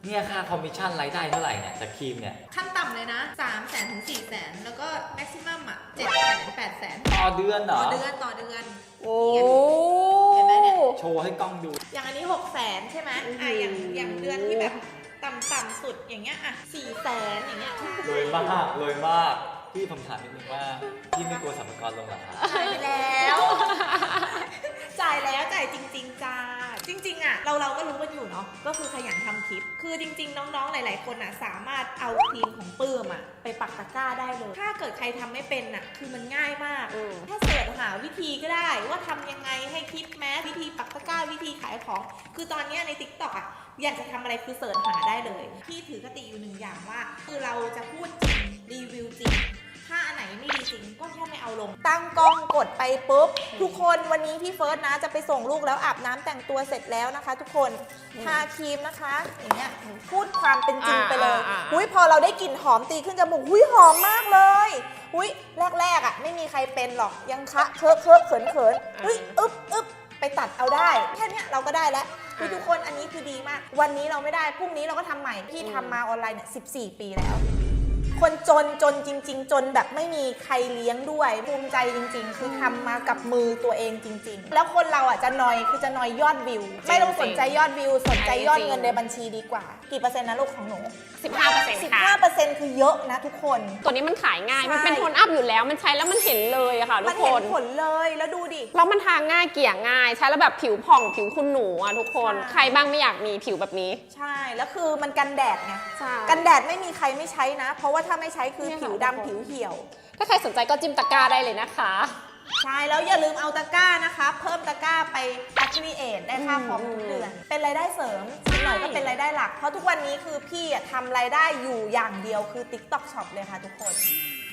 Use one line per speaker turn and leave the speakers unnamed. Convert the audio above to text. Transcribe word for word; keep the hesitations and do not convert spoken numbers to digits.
เนี่ยค่าคอมมิชชั่นรายได้เท่าไหร่เนี่ยจากครีมเนี่ย
ขั้นต่ำเลยนะสามแสนถึงสี่แสนแล้วก็แม็กซิมัมอ่ะเจ็ดแสนแปดแสน
ต่อเดือนเหร
ต่
อ
อเดือนต่อเดือน
โอ้
เห็นไหมเนี่ย
โชว์ให้กล้องดู
อย่างอันนี้หกแสนใช่ไหมอ่ะอย่างอย่างเดือนที่แบบต่ำๆสุดอย่างเงี้ยอ่ะสี่แสนอย่างเงี้ย
รวยมากรวยมากพี่ผมถามนิดนึงว่าพี่ไม่กลัวสรรพากรลงเหรอครับ
จ่ายไปแล้วจ่ายแล้วจ่ายจริงๆจ้าจริงๆอ่ะเราเราก็รู้กันอยู่เนาะก็คือขยันทำคลิปคือจริงๆน้องๆหลายๆคนอ่ะสามารถเอาครีมของปื้มอ่ะไปปักตะกร้าได้เลยถ้าเกิดใครทำไม่เป็นอ่ะคือมันง่ายมากแค่เสิร์ชหาวิธีก็ได้ว่าทำยังไงให้คลิปแม้วิธีปักตะกร้าวิธีขายของคือตอนนี้ใน ติ๊กต็อก อ่ะอยากจะทำอะไรคือเสิร์ชหาได้เลยพี่ถือคติอยู่หนึ่งอย่างว่าคือเราจะพูดจริงรีวิวจริงถ้าอันไหนไม่ดีจริงก็แค่ไม่เอาลงตั้งกล้องกดไปปุ๊บทุกคนวันนี้พี่เฟิร์สนะจะไปส่งลูกแล้วอาบน้ำแต่งตัวเสร็จแล้วนะคะ ทุกคนทาครีมนะคะอย่างเงี้ยพูดความเป็นจริงไปเลยหุ้ยพอเราได้กลิ่นหอมตีขึ้นจมูกหุ้ยหอมมากเลยหุ้ยแรกๆอ่ะไม่มีใครเป็นหรอกยังคะเคอะเคอะเขินเขินเฮ้ยอึ๊บอึ๊บไปตัดเอาได้แค่นี้เราก็ได้แล้วคือทุกคนอันนี้คือดีมากวันนี้เราไม่ได้พรุ่งนี้เราก็ทำใหม่พี่ทำมาออนไลน์เนี่ยสิบสี่ปีแล้วคนจนจนจริงๆจนแบบไม่มีใครเลี้ยงด้วยภูมิใจจริงๆคือทำมากับมือตัวเองจริงๆแล้วคนเราอ่ะจะนอยคือจะนอยยอดวิวไม่ต้องสนใจยอดวิวสนใจยอดเงินในบัญชีดีกว่ากี่เปอร์เซ็นต์นะลูกของหนู
สิบห้าเปอร์เซ็นต์
สิบ
ค่ะ
ห้าเปอร์เซ็นต์คือเยอะนะทุกคน
ตัวนี้มันขายง่าย
ใช่
มันเป็นโทนอัพอยู่แล้ว มันใช้แล้วมันเห็นเลยอะค่ะทุ
มัน
กค
เห็
น
นผลเลยแล้วดูดิ
แล้วมันทาง่ายเกลี่ยง่าย ใช้แล้วแบบผิวผ่องผิวคุณหนูอะทุกคน
ใช่
ใครบ้างไม่อยากมีผิวแบบนี้
ใช่แล้วคือมันกันแดดไง
ใช่
กันแดดไม่มีใครไม่ใช้นะ เพราะว่าถ้าไม่ใช้คือ
เนี่ยค่ะ
ผิวดำผิวเหี่ยว
ถ้าใครสนใจก็จิ้มตะกร้าได้เลยนะคะ
ใช่แล้วอย่าลืมเอาตะกร้านะคะเพิ่มตะกร้าไป affiliate ได้ค่าคอมทุกเดือน เป็นรายได้เสริมนิดหน่อยก็เป็นรายได้หลัก เพราะทุกวันนี้คือพี่อะทำรายได้อยู่อย่างเดียวคือ ติ๊กต็อก ช็อป เลยค่ะทุกคน